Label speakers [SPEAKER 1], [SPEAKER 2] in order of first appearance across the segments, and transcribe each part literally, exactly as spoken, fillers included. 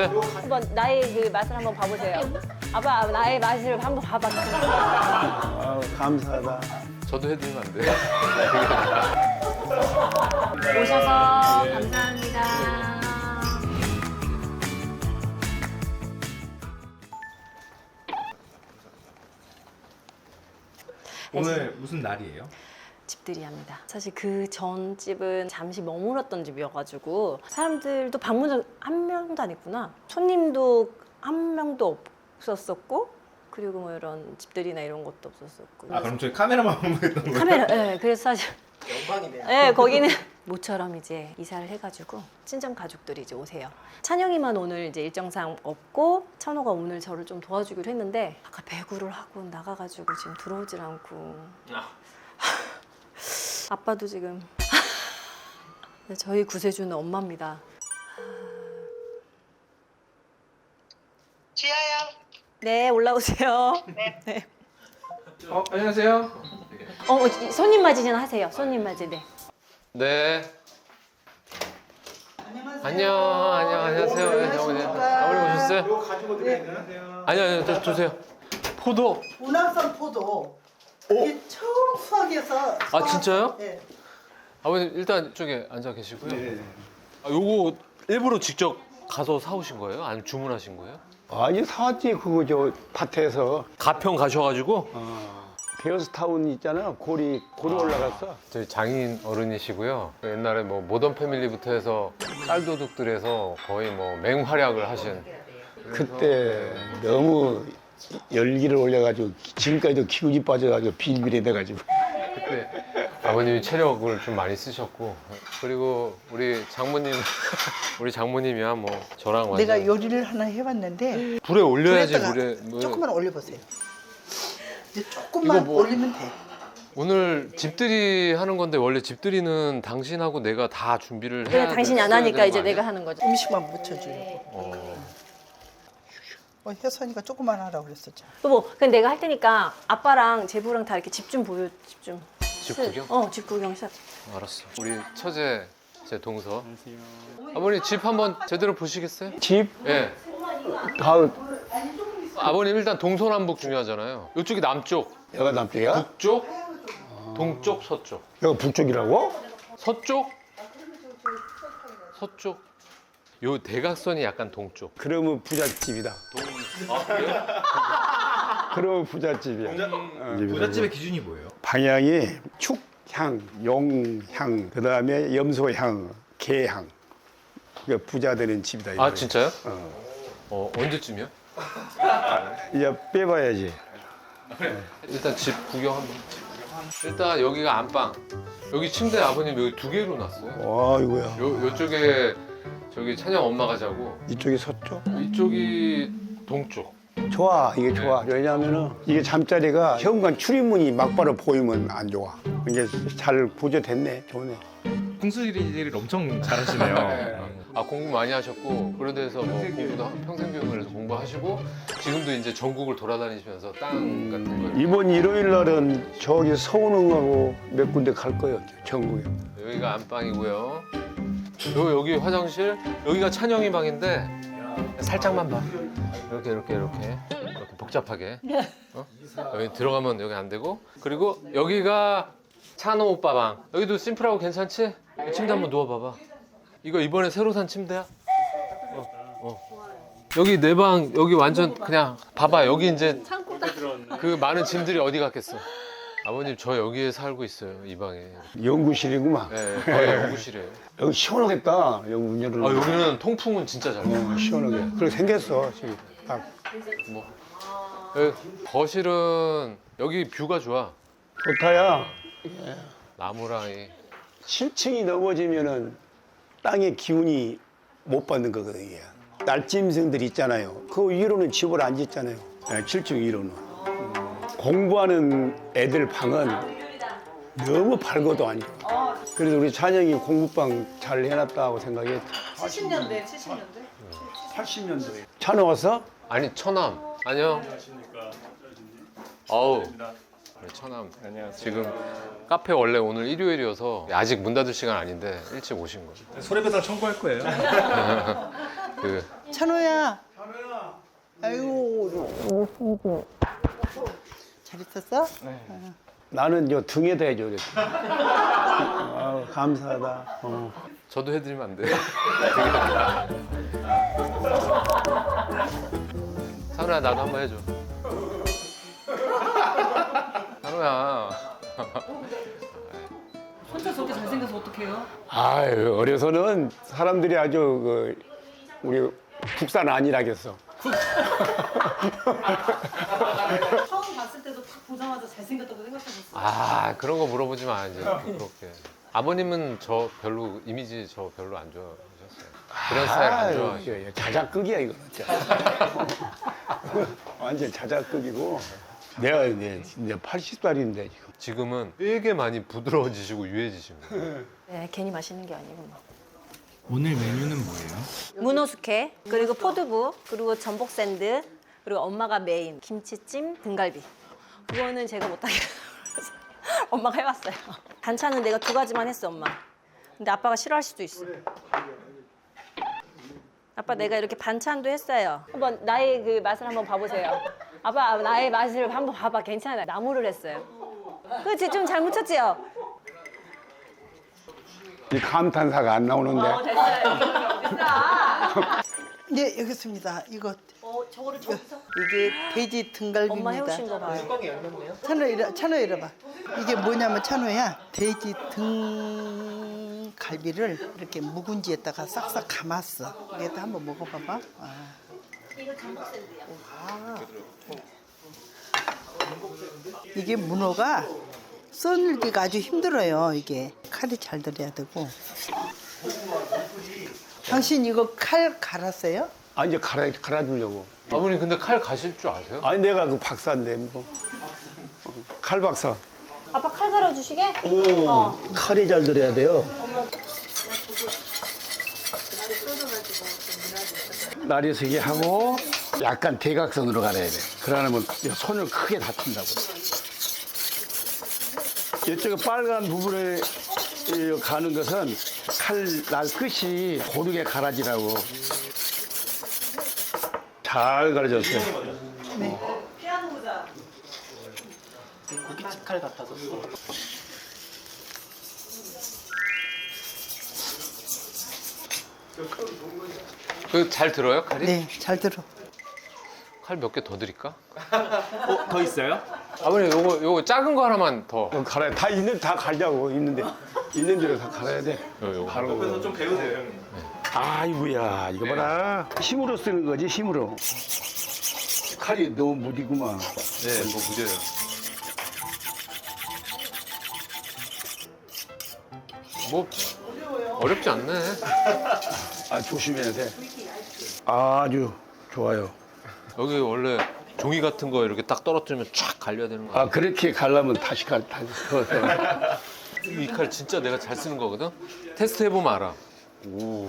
[SPEAKER 1] 한번 나의 그 맛을 한번 봐보세요. 아빠 나의 맛을 한번 봐봐.
[SPEAKER 2] 아, 감사하다.
[SPEAKER 3] 저도 해드리면 안 돼요?
[SPEAKER 1] 오셔서 감사합니다.
[SPEAKER 4] 오늘 무슨 날이에요?
[SPEAKER 1] 집들이 합니다. 사실 그 전 집은 잠시 머물렀던 집이어가지고 사람들도 방문 한 명도 안 했구나. 손님도 한 명도 없었었고 그리고 뭐 이런 집들이나 이런 것도 없었었고.
[SPEAKER 4] 아 그럼 저희 카메라만 보면 되는 거예요?
[SPEAKER 1] 카메라, 네, 그래서 사실
[SPEAKER 5] 영광이네요.
[SPEAKER 1] 네, 거기는 모처럼 이제 이사를 해가지고 친정 가족들이 이제 오세요. 찬영이만 오늘 이제 일정상 없고 찬호가 오늘 저를 좀 도와주기로 했는데 아까 배구를 하고 나가가지고 지금 들어오질 않고 아빠도 지금 저희 구세주는 엄마입니다.
[SPEAKER 5] 지아야.
[SPEAKER 1] 네, 올라오세요. 네.
[SPEAKER 4] 어 안녕하세요.
[SPEAKER 1] 어, 손님 맞이는 하세요. 손님 맞이. 네.
[SPEAKER 3] 네. 안녕, 안녕, 안녕하세요. 네, 어머니. 아버님 오셨어요?
[SPEAKER 2] 이거 가지고 드리는
[SPEAKER 3] 아니요, 아니요, 저 주세요. 포도.
[SPEAKER 5] 운항산 포도. 이게 처음 수확해서.
[SPEAKER 3] 아, 진짜요?
[SPEAKER 5] 네.
[SPEAKER 3] 아버님 일단 이쪽에 앉아 계시고요.
[SPEAKER 2] 네.
[SPEAKER 3] 아, 요거 일부러 직접 가서 사오신 거예요? 아니면 주문하신 거예요?
[SPEAKER 2] 아니 사왔지 그거 저 밭에서.
[SPEAKER 3] 가평 가셔가지고
[SPEAKER 2] 어. 베어스타운 있잖아. 고리 고리 올라갔어.
[SPEAKER 3] 저희 장인 어른이시고요. 옛날에 뭐 모던 패밀리부터 해서 쌀도둑들에서 거의 뭐 맹활약을 하신.
[SPEAKER 2] 그때 너무 열기를 올려가지고 지금까지도 기운이 빠져가지고 빌빌해 돼가지고.
[SPEAKER 3] 그때 아버님이 체력을 좀 많이 쓰셨고 그리고 우리 장모님 우리 장모님이야 뭐 저랑 완전
[SPEAKER 5] 내가 요리를 하나 해봤는데.
[SPEAKER 3] 불에 올려야지
[SPEAKER 5] 불에다가
[SPEAKER 3] 물에 뭐
[SPEAKER 5] 조금만 올려보세요. 이제 조금만
[SPEAKER 3] 이거 뭐-
[SPEAKER 5] 올리면 돼.
[SPEAKER 3] 오늘 집들이 하는 건데 원래 집들이는 당신하고 내가 다 준비를 해야
[SPEAKER 1] 그래, 당신이 안
[SPEAKER 3] 했어야
[SPEAKER 1] 하니까
[SPEAKER 3] 되는
[SPEAKER 1] 이제
[SPEAKER 3] 거 아니야?
[SPEAKER 1] 내가 하는 거죠.
[SPEAKER 5] 음식만 묻혀주려고.
[SPEAKER 3] 어.
[SPEAKER 5] 어, 혜선이가 조금만 하라고 그랬었잖아.
[SPEAKER 1] 여보, 근데 내가 할 테니까 아빠랑 제부랑 다 이렇게 집 좀 보여, 집 좀.
[SPEAKER 3] 집 구경?
[SPEAKER 1] 어, 집 구경 시작.
[SPEAKER 3] 알았어. 우리 처제 제 동서. 아버님 집 한번 제대로 보시겠어요?
[SPEAKER 2] 집
[SPEAKER 3] 예.
[SPEAKER 2] 다
[SPEAKER 3] 아버님 일단 동서남북 중요하잖아요. 이쪽이 남쪽,
[SPEAKER 2] 여가 남쪽이야?
[SPEAKER 3] 북쪽, 동쪽, 서쪽.
[SPEAKER 2] 여가 북쪽이라고?
[SPEAKER 3] 서쪽? 서쪽. 요 대각선이 약간 동쪽.
[SPEAKER 2] 그러면 부잣집이다.
[SPEAKER 3] 아 그래요?
[SPEAKER 2] 그러면 부잣집이야. 어,
[SPEAKER 4] 부잣집의 기준이 뭐예요?
[SPEAKER 2] 방향이 축향, 용향, 그 다음에 염소향, 개향. 그러니까 부자 되는 집이다.
[SPEAKER 3] 아
[SPEAKER 2] 이거예요.
[SPEAKER 3] 진짜요?
[SPEAKER 2] 어.
[SPEAKER 3] 어 언제쯤이요?
[SPEAKER 2] 이제 빼봐야지.
[SPEAKER 3] 일단 집 구경 한번. 일단 여기가 안방. 여기 침대 아버님 여기 두 개로 놨어요.
[SPEAKER 2] 와 이거야.
[SPEAKER 3] 요 요쪽에 저기 찬영 엄마가 자고
[SPEAKER 2] 이쪽이 서쪽?
[SPEAKER 3] 이쪽이 동쪽.
[SPEAKER 2] 좋아, 이게 좋아. 왜냐하면은 이게 잠자리가 현관 출입문이 막바로 보이면 안 좋아. 이게 잘 구조됐네, 좋네.
[SPEAKER 4] 풍수지리를 엄청 잘하시네요.
[SPEAKER 3] 아 공부 많이 하셨고 그런 데서 뭐 공부도 하- 평생교육을 해서 공부하시고 지금도 이제 전국을 돌아다니시면서 땅 같은 거
[SPEAKER 2] 이번 일요일 날은 저기 서운흥하고 몇 군데 갈 거예요, 전국에.
[SPEAKER 3] 여기가 안방이고요. 요 여기 화장실 여기가 찬영이 방인데 살짝만 봐. 이렇게 이렇게 이렇게 이렇게 복잡하게. 어? 여기 들어가면 여기 안 되고 그리고 여기가 찬호 오빠 방. 여기도 심플하고 괜찮지? 침대 한번 누워봐봐. 이거 이번에 새로 산 침대야? 어, 어. 여기 내 방 여기 완전 그냥 봐봐 여기 이제 그 많은 짐들이 어디 갔겠어? 아버님 저 여기에 살고 있어요 이 방에.
[SPEAKER 2] 연구실이구만.
[SPEAKER 3] 네, 거의 연구실이에요.
[SPEAKER 2] 여기 시원하겠다, 여기 문 열어.
[SPEAKER 3] 아 여기는 통풍은 진짜 잘 돼.
[SPEAKER 2] 어, 시원하게. 그렇게 생겼어, 지금. 딱.
[SPEAKER 3] 뭐 여기 거실은 여기 뷰가 좋아.
[SPEAKER 2] 좋다야.
[SPEAKER 3] 나무랑 이
[SPEAKER 2] 칠 층이 넘어지면은 땅의 기운이 못 받는 거거든, 이게. 날짐승들 있잖아요. 그 위로는 집을 안 짓잖아요. 칠 층 위로는. 음. 공부하는 애들 방은 너무 밝아도 안 좋아. 그래서 우리 찬영이 공부방 잘 해놨다고 생각해.
[SPEAKER 5] 칠십 년대, 칠십 년대.
[SPEAKER 2] 팔십 년도에. 찬호 왔어?
[SPEAKER 3] 아니 처남 안녕. 어우 우리 처남 지금 카페 원래 오늘 일요일이어서 아직 문 닫을 시간 아닌데 일찍 오신 거죠.
[SPEAKER 4] 손해배상 청구할 거예요.
[SPEAKER 3] 그
[SPEAKER 5] 찬호야. 찬호야. 아이고. 잘 있었어?
[SPEAKER 2] 나는 요 등에다 해줘 그랬어. 아유, 감사하다. 어.
[SPEAKER 3] 저도 해드리면 안 돼요? 찬우야 나도 한번 해줘. 찬우야.
[SPEAKER 1] 혼자 저렇게 잘생겨서 어떡해요?
[SPEAKER 2] 아유, 어려서는 사람들이 아주 그 우리 국산 아니라겠어.
[SPEAKER 1] 처음 봤을 때도 딱 보자마자 잘생겼다고 생각하셨어요?
[SPEAKER 3] 아 그런 거 물어보지 마 이제 그렇게. 아버님은 저 별로 이미지 저 별로 안 좋아하셨어요. 그런 스타일 안
[SPEAKER 2] 아유,
[SPEAKER 3] 좋아하시고.
[SPEAKER 2] 이거 자작극이야 이거 진짜. 완전 자작극이고. 내가 이제 이제 팔십 살인데 지금.
[SPEAKER 3] 지금은 되게 많이 부드러워지시고 유해지신 거예요.
[SPEAKER 1] 네, 괜히 마시는 게 아니구나.
[SPEAKER 4] 오늘 메뉴는 뭐예요?
[SPEAKER 1] 문어 숙회, 그리고 포두부, 그리고 전복 샌드, 그리고 엄마가 메인 김치찜, 등갈비. 그거는 제가 못하겠어요. 그래서 엄마가 해왔어요. 반찬은 내가 두 가지만 했어, 엄마. 근데 아빠가 싫어할 수도 있어. 아빠 내가 이렇게 반찬도 했어요. 한번 나의 그 맛을 한번 봐보세요. 아빠 나의 맛을 한번 봐봐. 괜찮아요. 나무를 했어요. 그렇지 좀 잘 묻혔지요?
[SPEAKER 2] 이 감탄사가 안 나오는데.
[SPEAKER 1] 됐어요. 됐다.
[SPEAKER 5] 네, 여기 있습니다. 이거
[SPEAKER 1] 어, 저거를 저기서
[SPEAKER 5] 이게 돼지 등갈비입니다.
[SPEAKER 1] 엄마 해오신 거 봐요.
[SPEAKER 5] 찬호 이리 찬호 이리 봐. 이게 뭐냐면 찬호야 돼지 등갈비를 이렇게 묵은지에다가 싹싹 감았어. 이것도 한번 먹어봐봐. 아.
[SPEAKER 1] 이거 전복 샌드야.
[SPEAKER 5] 이게 문어가 썰기가 아주 힘들어요. 이게 칼이 잘 들어야 되고. 당신 이거 칼 갈았어요?
[SPEAKER 2] 아 이제 갈아 갈아주려고.
[SPEAKER 3] 아버님 근데 칼 가실 줄 아세요?
[SPEAKER 2] 아니 내가 그 박사인데 뭐. 어, 칼 박사.
[SPEAKER 1] 아빠 칼 갈아주시게?
[SPEAKER 2] 오, 칼이 잘 들어야 돼요. 날이 서게 하고 약간 대각선으로 갈아야 돼. 그러면 손을 크게 다친다고. 이쪽에 빨간 부분에 가는 것은 칼 날 끝이 고르게 갈아지라고. 잘 갈아졌어요.
[SPEAKER 5] 네.
[SPEAKER 3] 그 잘 들어요 칼이?
[SPEAKER 5] 네, 잘 들어.
[SPEAKER 3] 칼 몇 개 더 드릴까?
[SPEAKER 4] 어, 더 있어요?
[SPEAKER 3] 아버님 요거 요거 작은 거 하나만 더.
[SPEAKER 2] 어, 갈아야 다 있는 다 갈자고 있는데 있는 대로 다 갈아야 돼.
[SPEAKER 3] 요, 요거.
[SPEAKER 2] 바로.
[SPEAKER 4] 그래서 좀 배우세요, 형님.
[SPEAKER 2] 아이고야 이거 봐라. 힘으로 쓰는 거지 힘으로. 칼이 너무 무디구만.
[SPEAKER 3] 네, 뭐 무죄요. 뭐 어렵지 않네.
[SPEAKER 2] 아 조심해야 돼. 아주 좋아요.
[SPEAKER 3] 여기 원래 종이 같은 거 이렇게 딱 떨어뜨리면 쫙 갈려야 되는 거야.
[SPEAKER 2] 아 그렇게 갈라면 다시 갈 다시 그어서.
[SPEAKER 3] 이 칼 진짜 내가 잘 쓰는 거거든. 테스트 해보면 알아. 오.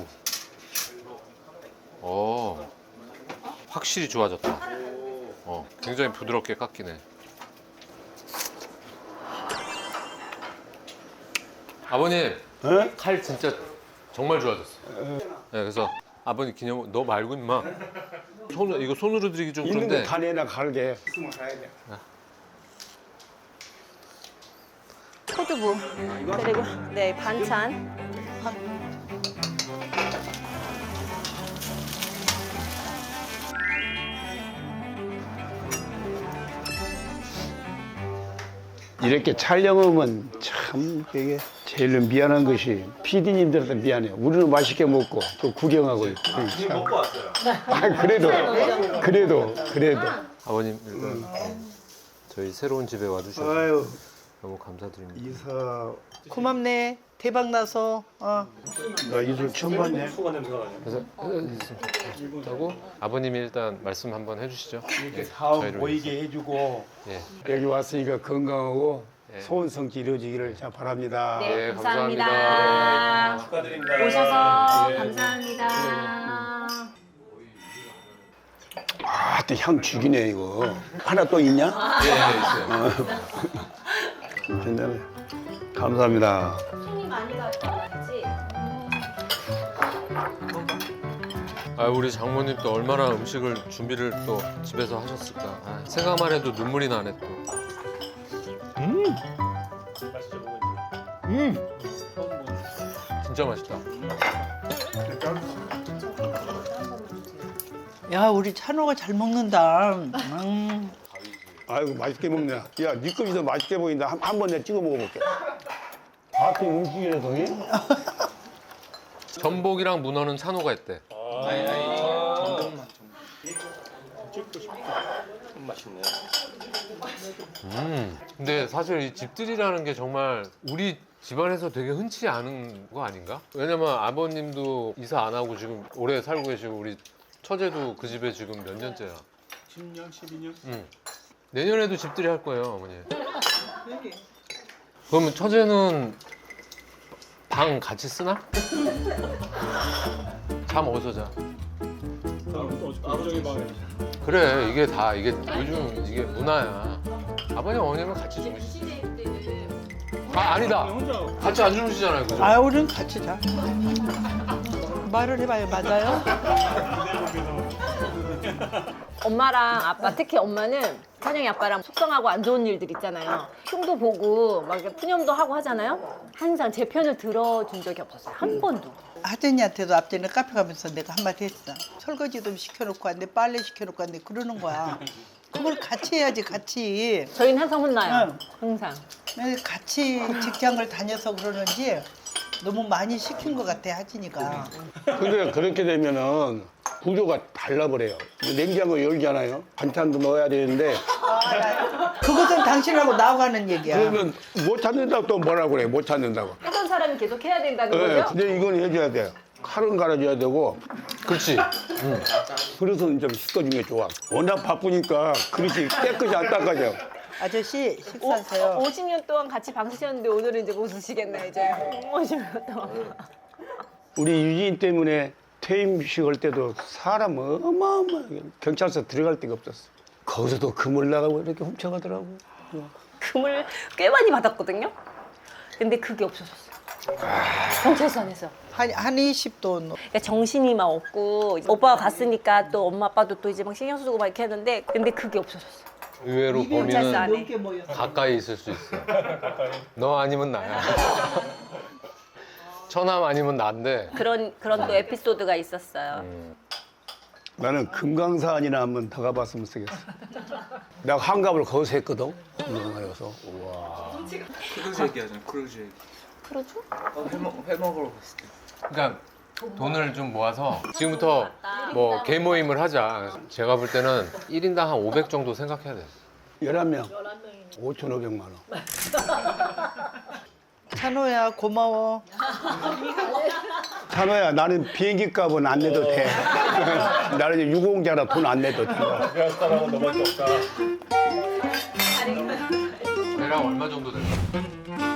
[SPEAKER 3] 어. 확실히 좋아졌다. 어. 굉장히 부드럽게 깎이네. 아버님
[SPEAKER 2] 어?
[SPEAKER 3] 칼 진짜 정말 좋아졌어요. 네, 그래서 아버님 기념 너 말고 임마. 손 이거 손으로 드리기 좀
[SPEAKER 2] 있는
[SPEAKER 3] 그런데.
[SPEAKER 2] 거 다 내나 갈게. 숨을 가야 돼.
[SPEAKER 1] 포두부, 그리고 네 반찬.
[SPEAKER 2] 이렇게 촬영하면 참 이게 제일 미안한 것이 피디님들한테 미안해요. 우리는 맛있게 먹고 또 구경하고 있고.
[SPEAKER 4] 지금 먹고 왔어요.
[SPEAKER 2] 아 그래도 그래도 그래도.
[SPEAKER 3] 아버님 일단 저희 새로운 집에 와주셔서
[SPEAKER 2] 아유
[SPEAKER 3] 너무 감사드립니다.
[SPEAKER 2] 이사
[SPEAKER 5] 고맙네. 대박 나서. 어.
[SPEAKER 2] 나 이술 처음 봤네.
[SPEAKER 3] 그래서 하고 아버님이 일단 말씀 한번 해주시죠. 예,
[SPEAKER 2] 사업
[SPEAKER 3] 저희를
[SPEAKER 2] 보이게 해주고
[SPEAKER 3] 예.
[SPEAKER 2] 여기 왔으니까 건강하고
[SPEAKER 3] 예.
[SPEAKER 2] 소원 성취 이루어지기를 자 바랍니다.
[SPEAKER 3] 네,
[SPEAKER 1] 감사합니다.
[SPEAKER 3] 감사합니다.
[SPEAKER 4] 축하드립니다.
[SPEAKER 1] 오셔서
[SPEAKER 2] 네.
[SPEAKER 1] 감사합니다.
[SPEAKER 2] 아, 또 향 죽이네 이거. 하나 또 있냐?
[SPEAKER 3] 예, 예, 있어요.
[SPEAKER 2] 괜찮네. 감사합니다.
[SPEAKER 1] 손이 많이 갔다 왔지?
[SPEAKER 3] 아, 우리 장모님 또 얼마나 음식을 준비를 또 집에서 하셨을까. 아, 생각만 해도 눈물이 나네 또. 음, 진짜 맛있다.
[SPEAKER 5] 야, 우리 찬호가 잘 먹는다. 음.
[SPEAKER 2] 아이고 맛있게 먹네. 야, 네 컵이 더 맛있게 보인다. 한, 한 번 내가 찍어 먹어볼게. 같은 음식이라서.
[SPEAKER 3] 전복이랑 문어는 찬호가 했대.
[SPEAKER 4] 아니 아니 전복만 좀 맛있네.
[SPEAKER 3] 음. 근데 사실 이 집들이라는 게 정말 우리 집안에서 되게 흔치 않은 거 아닌가? 왜냐면 아버님도 이사 안 하고 지금 오래 살고 계시고 우리 처제도 그 집에 지금 몇 년째야?
[SPEAKER 2] 십 년, 십이 년?
[SPEAKER 3] 응. 내년에도 집들이 할 거예요, 어머니. 그러면 처제는 방 같이 쓰나? 잠 어디서 자? 그래, 이게 다 이게 요즘 이게 문화야. 아버님 어머님은 같이 주무시지. 아 아니다. 같이 안 주무시잖아요, 그죠?
[SPEAKER 5] 아, 우리는 같이 자. 말을 해봐요, 맞아요?
[SPEAKER 1] 엄마랑 아빠, 특히 엄마는 찬영이 아빠랑 속상하고 안 좋은 일들 있잖아요. 흉도 보고 막 이렇게 푸념도 하고 하잖아요. 항상 제 편을 들어준 적이 없었어요. 한 번도.
[SPEAKER 5] 하진이한테도 앞전에 카페 가면서 내가 한마디 했어. 설거지 좀 시켜놓고 왔는데 빨래 시켜놓고 왔는데 그러는 거야. 그걸 같이 해야지, 같이.
[SPEAKER 1] 저희는 항상 혼나요.
[SPEAKER 5] 응.
[SPEAKER 1] 항상.
[SPEAKER 5] 근데 같이 직장을 다녀서 그러는지 너무 많이 시킨 것 같아, 하진이가.
[SPEAKER 2] 근데 그렇게 되면은 구조가 달라버려요. 냉장고 열잖아요. 반찬도 넣어야 되는데
[SPEAKER 5] 그것은 당신하고 나와가는 얘기야.
[SPEAKER 2] 그러면 못 찾는다고 또 뭐라고 그래. 못 찾는다고.
[SPEAKER 1] 하던 사람이 계속 해야 된다는
[SPEAKER 2] 네,
[SPEAKER 1] 거죠?
[SPEAKER 2] 근데 이건 해줘야 돼요. 칼은 갈아줘야 되고
[SPEAKER 3] 그렇지.
[SPEAKER 2] 그릇은 좀 씻어주는 게 좋아. 워낙 바쁘니까 그릇이 깨끗이 안 닦아져.
[SPEAKER 5] 아저씨
[SPEAKER 1] 오,
[SPEAKER 5] 식사하세요.
[SPEAKER 1] 오십 년 동안 같이 방 쓰셨는데 오늘은 이제 못 쓰시겠네, 이제. 오십 년 동안.
[SPEAKER 2] 우리 유진 때문에 퇴임식 할 때도 사람 어마어마하게 경찰서 들어갈 데가 없었어. 거기서도 금을 나가고 이렇게 훔쳐가더라고.
[SPEAKER 1] 금을 꽤 많이 받았거든요. 근데 그게 없어졌어요. 경찰서 안에서.
[SPEAKER 5] 한, 한 이십 돈.
[SPEAKER 1] 그러니까 정신이 막 없고 오빠가 갔으니까 또 엄마 아빠도 또 이제 막 신경 쓰고 막 이렇게 했는데 근데 그게 없어졌어요.
[SPEAKER 3] 의외로
[SPEAKER 1] 경찰서
[SPEAKER 3] 범인은
[SPEAKER 1] 안에.
[SPEAKER 5] 넘게 모였어.
[SPEAKER 3] 가까이 있을 수 있어. 너 아니면 나야. 처남 아니면 난데.
[SPEAKER 1] 그런 그런 또 에피소드가 있었어요.
[SPEAKER 2] 나는 금강산이나 한번 더 가봤으면 쓰겠어. 내가 한갑을 거기서 했거든. 금강산에서.
[SPEAKER 4] 크루즈 얘기하잖아. 크루즈 얘기.
[SPEAKER 1] 그러죠?
[SPEAKER 4] 어, 회, 먹, 회 먹으러 갔을 때.
[SPEAKER 3] 그러니까 돈을 좀 모아서 지금부터 뭐 개모임을 하자. 제가 볼 때는 일 인당 한 오백 정도 생각해야 돼.
[SPEAKER 2] 열한 명. 오천오백만 원.
[SPEAKER 5] 찬호야, 고마워.
[SPEAKER 2] 찬호야, 나는 비행기 값은 안 내도 돼. 나는 이제 유공자라 돈 안 내도 돼.
[SPEAKER 3] 대략 얼마 정도 될까?